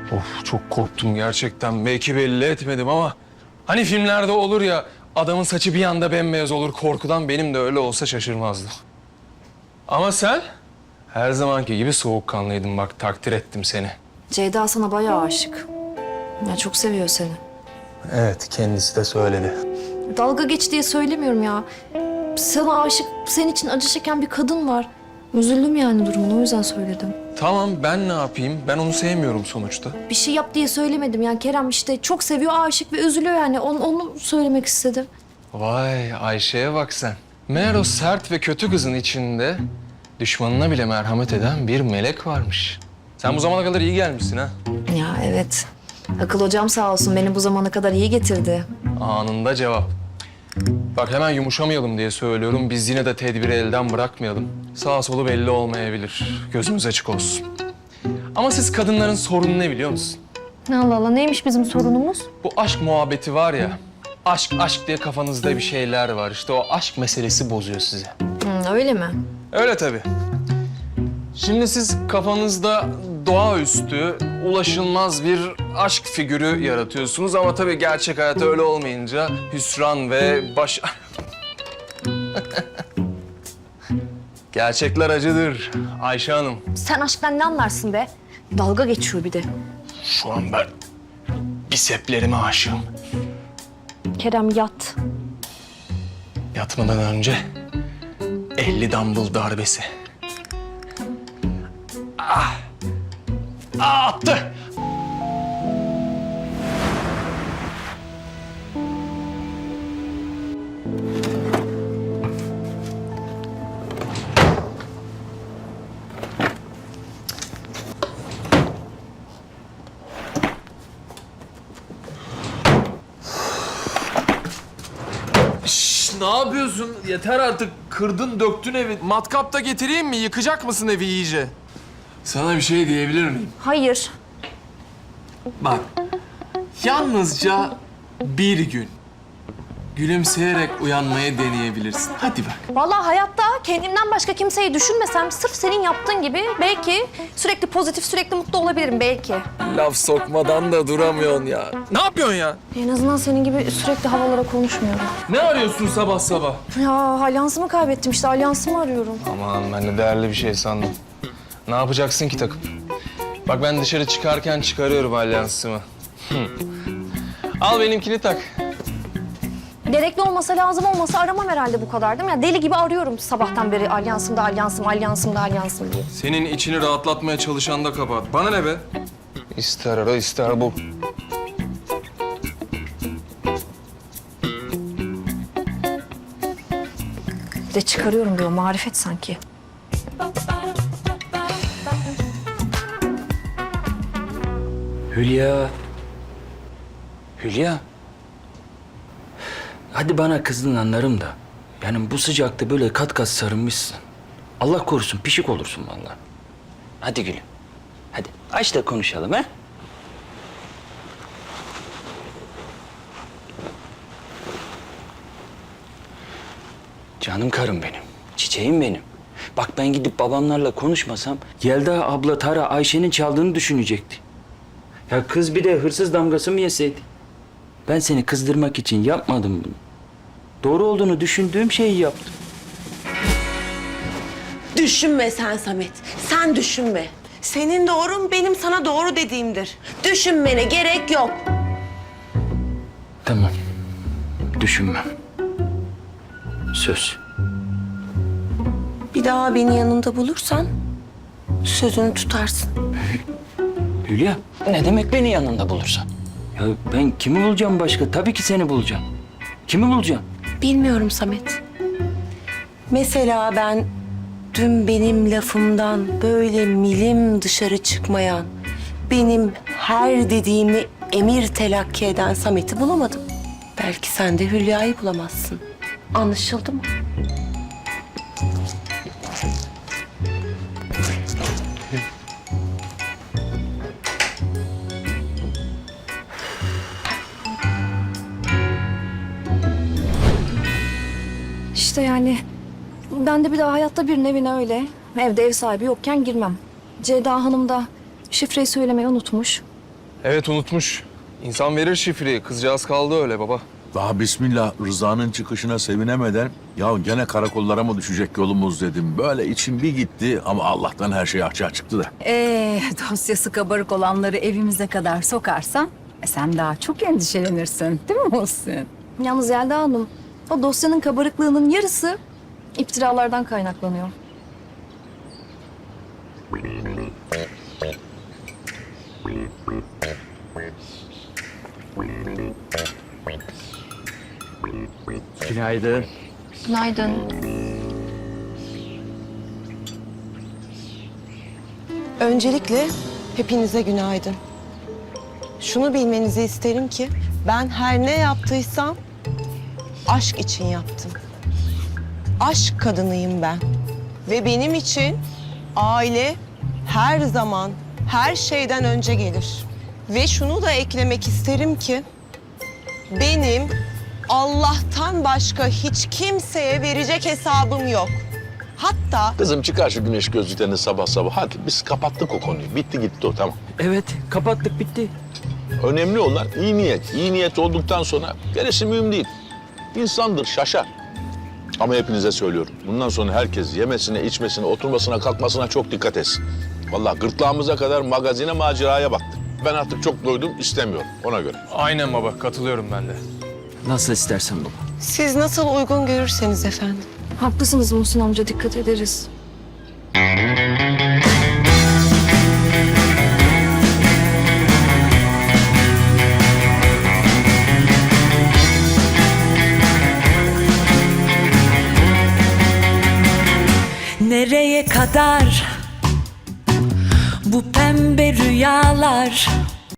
Of çok korktum gerçekten. Belki belli etmedim ama... Hani filmlerde olur ya, adamın saçı bir anda bembeyaz olur korkudan, benim de öyle olsa şaşırmazdım. Ama sen her zamanki gibi soğukkanlıydın, bak takdir ettim seni. Ceyda sana bayağı aşık. Ya çok seviyor seni. Evet, kendisi de söyledi. Dalga geç diye söylemiyorum ya. Sana aşık, senin için acı çeken bir kadın var. Üzüldüm yani durumuna, o yüzden söyledim. Tamam, ben ne yapayım? Ben onu sevmiyorum sonuçta. Bir şey yap diye söylemedim yani. Kerem işte çok seviyor, aşık ve üzülüyor yani. Onu söylemek istedim. Vay, Ayşe'ye bak sen. Meğer o sert ve kötü kızın içinde düşmanına bile merhamet eden bir melek varmış. Sen bu zamana kadar iyi gelmişsin ha. Ya evet. Akıl hocam sağ olsun beni bu zamana kadar iyi getirdi. Anında cevap. Bak hemen yumuşamayalım diye söylüyorum. Biz yine de tedbiri elden bırakmayalım. Sağ solu belli olmayabilir. Gözümüz açık olsun. Ama siz kadınların sorunu ne biliyor musun? Allah Allah, neymiş bizim sorunumuz? Bu aşk muhabbeti var ya. Aşk aşk diye kafanızda bir şeyler var. İşte o aşk meselesi bozuyor sizi. Öyle mi? Öyle tabii. Şimdi siz kafanızda doğaüstü, ulaşılmaz bir aşk figürü yaratıyorsunuz ama tabii gerçek hayat öyle olmayınca hüsran ve baş... Gerçekler acıdır Ayşe Hanım. Sen aşktan ne anlarsın be? Dalga geçiyor bir de. Şu an ben biseplerime aşığım. Kerem yat. Yatmadan önce 50 dumbbell darbesi. Ah! Ah, attı! Ne yapıyorsun? Yeter artık. Kırdın, döktün evi. Matkap da getireyim mi? Yıkacak mısın evi iyice? Sana bir şey diyebilir miyim? Hayır. Bak, yalnızca bir gün gülümseyerek uyanmayı deneyebilirsin. Hadi bak. Vallahi hayatta kendimden başka kimseyi düşünmesem sırf senin yaptığın gibi belki sürekli pozitif, sürekli mutlu olabilirim belki. Laf sokmadan da duramıyorsun ya. Ne yapıyorsun ya? En azından senin gibi sürekli havalara konuşmuyorum. Ne arıyorsun sabah sabah? Ya alyansımı kaybettim işte, alyansımı arıyorum. Aman ben de değerli bir şey sandım. Ne yapacaksın ki takıp? Bak ben dışarı çıkarken çıkarıyorum alyansımı. Al benimkini tak. Gerekli olmasa, lazım olmasa aramam herhalde bu kadar değil mi? Ya deli gibi arıyorum sabahtan beri alyansımda, alyansımda diye. Senin içini rahatlatmaya çalışan da kabahat. Bana ne be? İster ara ister bul. Bir de çıkarıyorum diyor, marifet sanki. Hülya. Hülya. Hadi bana kızdın anlarım da. Yani bu sıcakta böyle kat kat sarılmışsın. Allah korusun pişik olursun vallahi. Hadi gülüm. Hadi aç da konuşalım ha. Canım karım benim. Çiçeğim benim. Bak ben gidip babamlarla konuşmasam Yelda abla Tara Ayşe'nin çaldığını düşünecekti. Ya kız bir de hırsız damgası mı yeseydi? Ben seni kızdırmak için yapmadım bunu. Doğru olduğunu düşündüğüm şeyi yaptım. Düşünme sen Samet. Sen düşünme. Senin doğrun benim sana doğru dediğimdir. Düşünmene gerek yok. Tamam. Düşünmem. Söz. Bir daha beni yanında bulursan sözünü tutarsın. Hülya, ne demek beni yanında bulursan? Ya ben kimi bulacağım başka? Tabii ki seni bulacağım. Kimi bulacağım? Bilmiyorum Samet. Mesela ben dün benim lafımdan böyle milim dışarı çıkmayan, benim her dediğimi emir telakki eden Samet'i bulamadım. Belki sen de Hülya'yı bulamazsın. Anlaşıldı mı? İşte yani ben de bir daha hayatta birinin evine öyle, evde ev sahibi yokken girmem. Ceyda Hanım da şifreyi söylemeyi unutmuş. Evet unutmuş. İnsan verir şifreyi. Kızcağız kaldı öyle baba. Daha bismillah Rıza'nın çıkışına sevinemeden ya gene karakollara mı düşecek yolumuz dedim. Böyle içim bir gitti ama Allah'tan her şey açığa çıktı da. Dosyası kabarık olanları evimize kadar sokarsan sen daha çok endişelenirsin değil mi Muhsin? Yalnız Yelda Hanım, o dosyanın kabarıklığının yarısı iftiralardan kaynaklanıyor. Günaydın. Günaydın. Öncelikle hepinize günaydın. Şunu bilmenizi isterim ki ben her ne yaptıysam aşk için yaptım. Aşk kadınıyım ben. Ve benim için aile her zaman her şeyden önce gelir. Ve şunu da eklemek isterim ki benim Allah'tan başka hiç kimseye verecek hesabım yok. Hatta Kızım çıkar şu güneş gözlüklerini sabah sabah. Hadi biz kapattık o konuyu. Bitti gitti o tamam. Evet, kapattık bitti. Önemli olan iyi niyet. İyi niyet olduktan sonra gerisi mühim değil. İnsandır şaşar. Ama hepinize söylüyorum. Bundan sonra herkes yemesine, içmesine, oturmasına, kalkmasına çok dikkat etsin. Vallahi gırtlağımıza kadar magazine, maceraya baktık. Ben artık çok doydum, istemiyorum ona göre. Aynen baba. Katılıyorum ben de. Nasıl istersen baba. siz nasıl uygun görürseniz efendim. Haklısınız Muhsin amca, dikkat ederiz. Nereye kadar bu pembe rüyalar?